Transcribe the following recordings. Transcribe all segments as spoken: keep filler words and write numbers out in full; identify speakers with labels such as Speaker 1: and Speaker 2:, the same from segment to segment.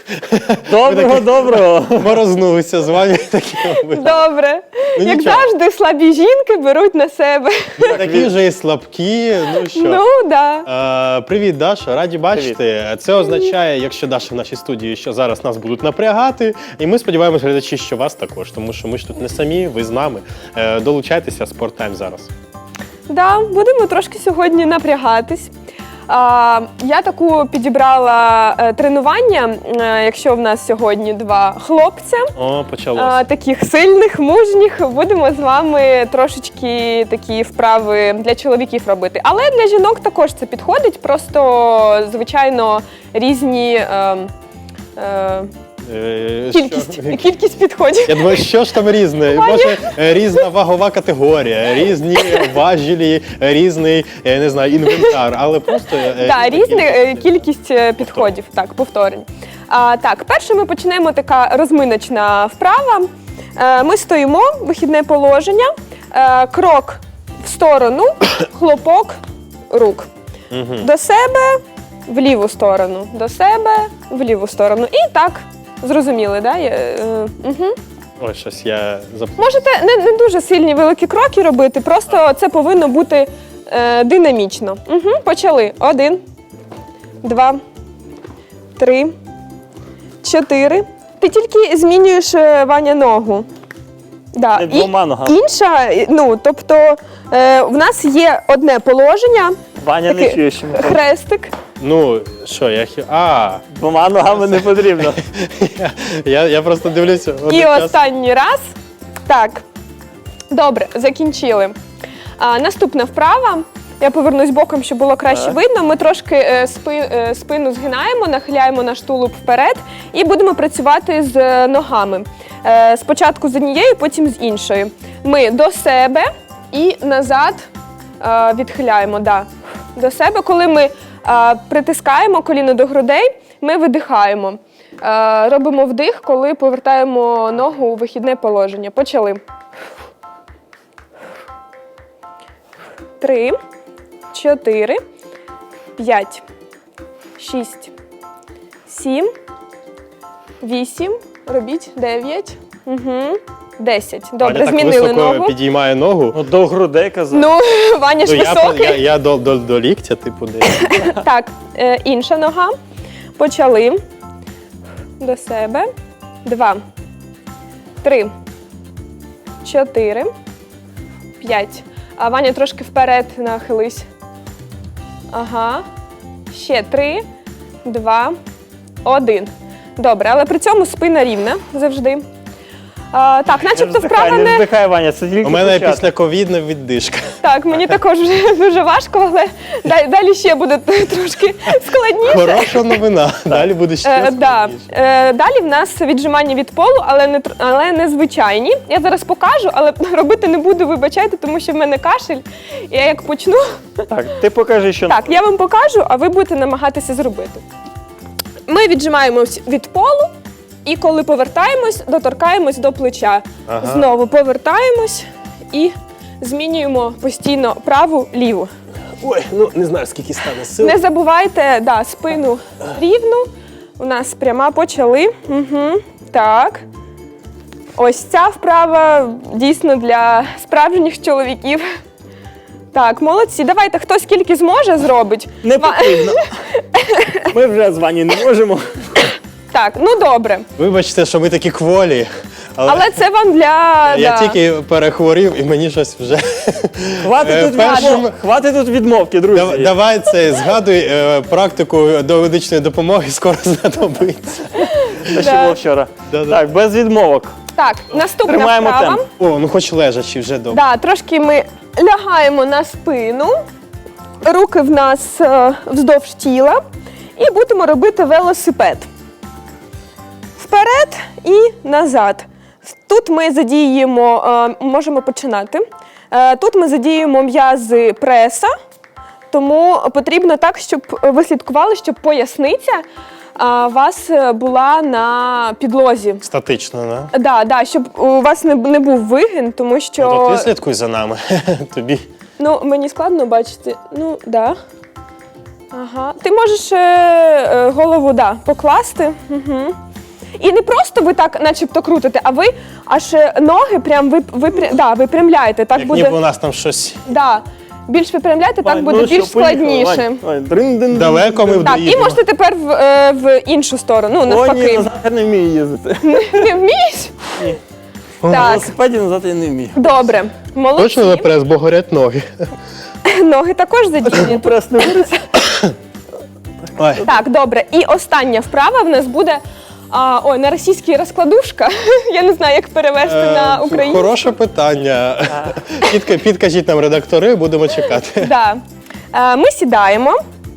Speaker 1: Доброго, доброго.
Speaker 2: Морознулися з вами такі.
Speaker 3: Добре.
Speaker 2: Ну,
Speaker 3: Як
Speaker 2: нічого.
Speaker 3: завжди, слабі жінки беруть на себе.
Speaker 2: Такі вже і слабкі, ну що.
Speaker 3: Ну, да.
Speaker 2: Е, привіт, Даша, раді бачити. Це означає, якщо Даша в нашій студії, що зараз нас будуть напрягати. І ми сподіваємося, глядачі, що вас також, тому що ми ж тут не самі, ви з нами. Е, долучайтеся, Sport Time зараз.
Speaker 3: Да, будемо трошки сьогодні напрягатись. А, я таку підібрала е, тренування, е, якщо в нас сьогодні два хлопця,
Speaker 2: О, почалося.
Speaker 3: е, таких сильних, мужніх, будемо з вами трошечки такі вправи для чоловіків робити. Але для жінок також це підходить, просто, звичайно, різні е, е,
Speaker 2: Е,
Speaker 3: кількість,
Speaker 2: що?
Speaker 3: кількість підходів.
Speaker 2: Я думаю, що ж там різне? Може, е, різна вагова категорія, різні важелі, різний, я не знаю, інвентар, але просто... е,
Speaker 3: Так,
Speaker 2: різна
Speaker 3: різна е,
Speaker 2: кількість.
Speaker 3: кількість е, підходів, так, повторень. А, так, перше ми почнемо така розминочна вправа. Е, ми стоїмо, вихідне положення, е, крок в сторону, хлопок рук.
Speaker 2: Мгм.
Speaker 3: До себе, в ліву сторону, до себе, в ліву сторону. І так, зрозуміли, да? Е, е, угу.
Speaker 2: Ой, щось я зап...
Speaker 3: Можете не, не дуже сильні великі кроки робити, просто це повинно бути е, динамічно. Угу, почали. Один, два, три, чотири. Ти тільки змінюєш, е, Ваня, ногу. Да.
Speaker 1: Не двома ногами.
Speaker 3: Інша, ну, тобто е, в нас є одне положення,
Speaker 1: Ваня не
Speaker 3: такий
Speaker 1: чує, що ми кажемо.
Speaker 3: хрестик.
Speaker 2: Ну, що, я... хі- А,
Speaker 1: Двома ногами не потрібно.
Speaker 2: я, я просто дивлюся.
Speaker 3: І
Speaker 2: один час.
Speaker 3: останній раз. Так, добре, закінчили. А, наступна вправа. Я повернусь боком, щоб було краще
Speaker 1: Так.
Speaker 3: видно. Ми трошки е, спи, е, спину згинаємо, нахиляємо наш тулуб вперед і будемо працювати з е, ногами. Е, спочатку з однією, потім з іншою. Ми до себе і назад е, відхиляємо. Да. До себе, коли ми е, притискаємо коліно до грудей, ми видихаємо. Е, робимо вдих, коли повертаємо ногу у вихідне положення. Почали. Три, чотири, п'ять, шість, сім, вісім, робіть, дев'ять, угу, десять. Добре,
Speaker 2: Ваня так
Speaker 3: змінили
Speaker 2: високо
Speaker 3: ногу.
Speaker 2: підіймає ногу.
Speaker 1: Ну, до грудей казав.
Speaker 3: Ну, Ваня ж
Speaker 2: Ну, я,
Speaker 3: високий.
Speaker 2: я, я до, до, до ліктя, типу, десь.
Speaker 3: Так, е, інша нога. Почали. До себе. Два, три, чотири, п'ять. А Ваня трошки вперед нахились. Ага. Ще три, два, один. Добре, але при цьому спина рівна завжди. А, так,
Speaker 1: Не
Speaker 3: начебто
Speaker 1: вздихай,
Speaker 3: вправа
Speaker 1: не
Speaker 3: не...
Speaker 1: вздихай, Ваня, це тільки
Speaker 2: У мене
Speaker 1: початок.
Speaker 2: після ковідна віддишка.
Speaker 3: Так, мені також вже дуже важко, але далі, далі ще буде трошки складніше.
Speaker 2: Хороша новина. Далі буде ще
Speaker 3: Е, да.
Speaker 2: складніше.
Speaker 3: е, далі в нас віджимання від полу, але не, тр- але не звичайні. Я зараз покажу, але робити не буду, вибачайте, тому що в мене кашель. Я як почну.
Speaker 1: Так, ти покажи, що...
Speaker 3: Так, я вам покажу, а ви будете намагатися зробити. Ми віджимаємось від полу, і коли повертаємось, доторкаємось до плеча.
Speaker 2: Ага.
Speaker 3: Знову повертаємось і змінюємо постійно праву, ліву.
Speaker 2: Ой, ну не знаю, скільки стане сил.
Speaker 3: Не забувайте, да, спину рівну. У нас пряма, почали. Угу. Так. Ось ця вправа дійсно для справжніх чоловіків. Так, молодці. Давайте, хто скільки зможе, зробить.
Speaker 1: Не
Speaker 3: Ва-
Speaker 1: потрібно. Ми вже з Ваню не можемо.
Speaker 3: Так, ну добре.
Speaker 2: Вибачте, що ми такі кволі. Але,
Speaker 3: Але це вам для...
Speaker 2: я
Speaker 3: да.
Speaker 2: тільки перехворів і мені щось вже.
Speaker 1: Хватить
Speaker 2: Е,
Speaker 1: тут,
Speaker 2: першим-
Speaker 1: відмов... Хватить тут відмовки, друзі.
Speaker 2: Дав- Давай це, згадуй е, практику до медичної допомоги, скоро знадобиться.
Speaker 1: Те, що
Speaker 3: Да.
Speaker 1: було вчора.
Speaker 2: Да-да.
Speaker 1: Так, без відмовок.
Speaker 3: Так, наступна
Speaker 1: Тримаємо
Speaker 3: вправа.
Speaker 1: темп.
Speaker 2: О, ну хоч лежачи вже добре.
Speaker 3: Да, трошки ми лягаємо на спину, руки в нас е, вздовж тіла і будемо робити велосипед. Вперед і назад. Тут ми задіємо, е, можемо починати. Е, тут ми задіємо м'язи преса, тому потрібно так, щоб ви слідкували, щоб поясниця е, у вас була на підлозі.
Speaker 2: Статично, да?
Speaker 3: Да, да, щоб у вас не, не був вигин, тому що...
Speaker 2: Ну, то ти слідкуй за нами. Тобі.
Speaker 3: Ну, мені складно бачити. Ну, да. Ага. Ти можеш е, е, голову да, покласти. Угу. І не просто ви так начебто крутите, а ви аж е, ноги прям ви, ви, да, випрямляєте. Так
Speaker 2: Як
Speaker 3: буде,
Speaker 2: ніби у нас там щось
Speaker 3: да, більш випрямляєте, так
Speaker 1: Вань,
Speaker 3: буде
Speaker 1: ну що,
Speaker 3: більш
Speaker 1: поїхали,
Speaker 3: складніше.
Speaker 1: Вань. Вань, дрин-дин-дин.
Speaker 2: далеко ми
Speaker 3: Так, і
Speaker 2: доїдемо.
Speaker 3: можете тепер в, е, в іншу сторону, ну,
Speaker 1: О, ні,
Speaker 3: навпаки.
Speaker 1: назад я не вмію їздити.
Speaker 3: Не вмієш?
Speaker 1: На
Speaker 3: Так,
Speaker 1: велосипеді назад я не вмію.
Speaker 3: добре. Молодці.
Speaker 2: Точно не прес, бо горять ноги.
Speaker 3: Ноги також задіяні.
Speaker 1: Прес не вириться.
Speaker 2: Ой.
Speaker 3: Так, добре. І остання вправа в нас буде а, ой, на російській розкладушка. Я не знаю, як перевести на
Speaker 2: Е,
Speaker 3: українську.
Speaker 2: Хороше питання. Підка- Підкажіть нам редактори, будемо чекати.
Speaker 3: Да. Е, Ми сідаємо.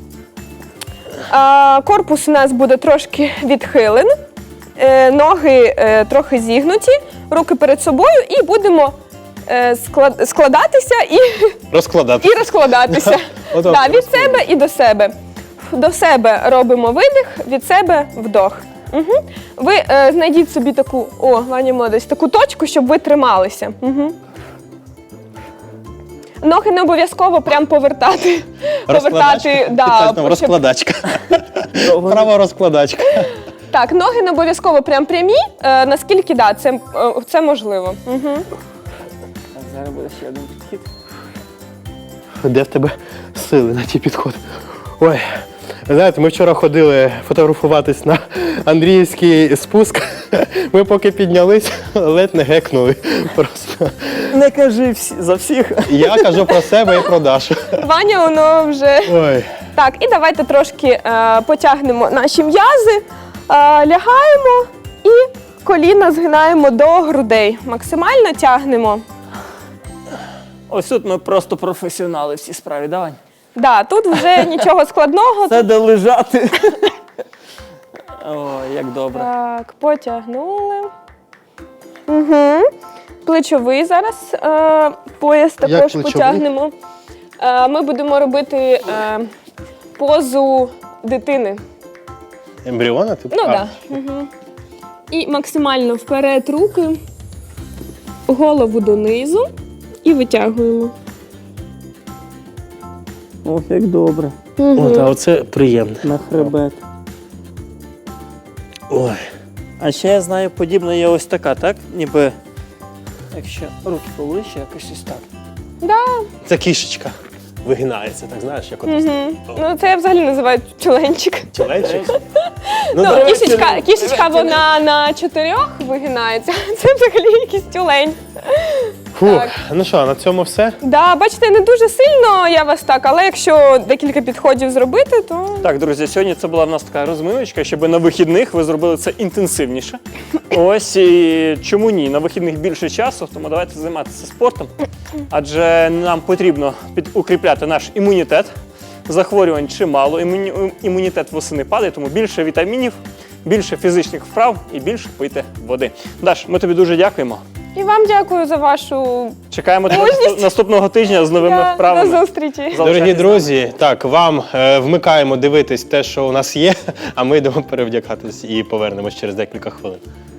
Speaker 3: Е, Корпус у нас буде трошки відхилений. Е, Ноги е, трохи зігнуті, руки перед собою і будемо е, склад- складатися і,
Speaker 2: Розкладати.
Speaker 3: і розкладатися.
Speaker 2: Отак,
Speaker 3: Да, від себе і до себе. До себе робимо видих, від себе вдох. Угу. Ви е, знайдіть собі таку, о, Ваня молодець, таку точку, щоб ви трималися. Угу. Ноги не обов'язково прям повертати. Повертати, да,
Speaker 2: Підкажіть нам,
Speaker 3: щоб-
Speaker 2: розкладачка. Права розкладачка.
Speaker 3: Так, ноги не обов'язково прям прямі, е, наскільки да, це, е, це можливо. Угу.
Speaker 1: Так, зараз буде ще один підхід.
Speaker 2: Де в тебе сили на ті підходи? Ой, ви знаєте, ми вчора ходили фотографуватись на Андріївський спуск. Ми поки піднялись, ледь не гекнули. Просто.
Speaker 1: Не кажи всі, за всіх.
Speaker 2: Я кажу про себе і про Дашу.
Speaker 3: Ваня, воно вже.
Speaker 2: Ой.
Speaker 3: Так, і давайте трошки е, потягнемо наші м'язи, е, лягаємо і коліна згинаємо до грудей. Максимально тягнемо.
Speaker 1: Ось тут ми просто професіонали в цій справі, давай.
Speaker 3: Да, тут вже нічого складного.
Speaker 1: Це де лежати. Ой, як добре.
Speaker 3: Так, потягнули. Угу. Плечовий зараз е, пояс також
Speaker 2: плечовий?
Speaker 3: потягнемо. Е, ми будемо робити е, позу дитини.
Speaker 2: Ембріона? Типу?
Speaker 3: Ну
Speaker 2: А.
Speaker 3: так. Да. Угу. І максимально вперед руки, голову донизу і витягуємо.
Speaker 1: Ох, як добре.
Speaker 3: Угу.
Speaker 2: О, та оце приємне.
Speaker 1: На хребет.
Speaker 2: Ой.
Speaker 1: А ще я знаю, подібна є ось така, так? Ніби, якщо руки поближче, якось ось так.
Speaker 3: Да.
Speaker 2: Це кішечка. Вигинається, так знаєш, як от
Speaker 3: Угу. Ну, це я взагалі називаю чоленчик.
Speaker 2: чоленчик.
Speaker 3: Ну,
Speaker 2: да.
Speaker 3: кішечка, кішечка вона на чотирьох вигинається, це взагалі якийсь тюлень.
Speaker 2: Фух.
Speaker 3: так.
Speaker 2: Ну що, на цьому все?
Speaker 3: Да, бачите, не дуже сильно я вас так, але якщо декілька підходів зробити, то
Speaker 1: Так, друзі, сьогодні це була в нас така розминочка, щоб на вихідних ви зробили це інтенсивніше. Ось і чому ні? На вихідних більше часу, тому давайте займатися спортом, адже нам потрібно під- укріпляти наш імунітет. Захворювань чимало, імуні- імунітет восени падає, тому більше вітамінів, більше фізичних вправ і більше пити води. Даш, ми тобі дуже дякуємо.
Speaker 3: і вам дякую за вашу
Speaker 1: Чекаємо тебе
Speaker 3: Мужність.
Speaker 1: наступ- наступного тижня з новими
Speaker 3: Да,
Speaker 1: вправами.
Speaker 3: до зустрічі.
Speaker 1: Залишайтесь
Speaker 2: Дорогі
Speaker 1: з нами.
Speaker 2: друзі, так, вам е, вмикаємо дивитись те, що у нас є, а ми йдемо перевдягатись і повернемось через декілька хвилин.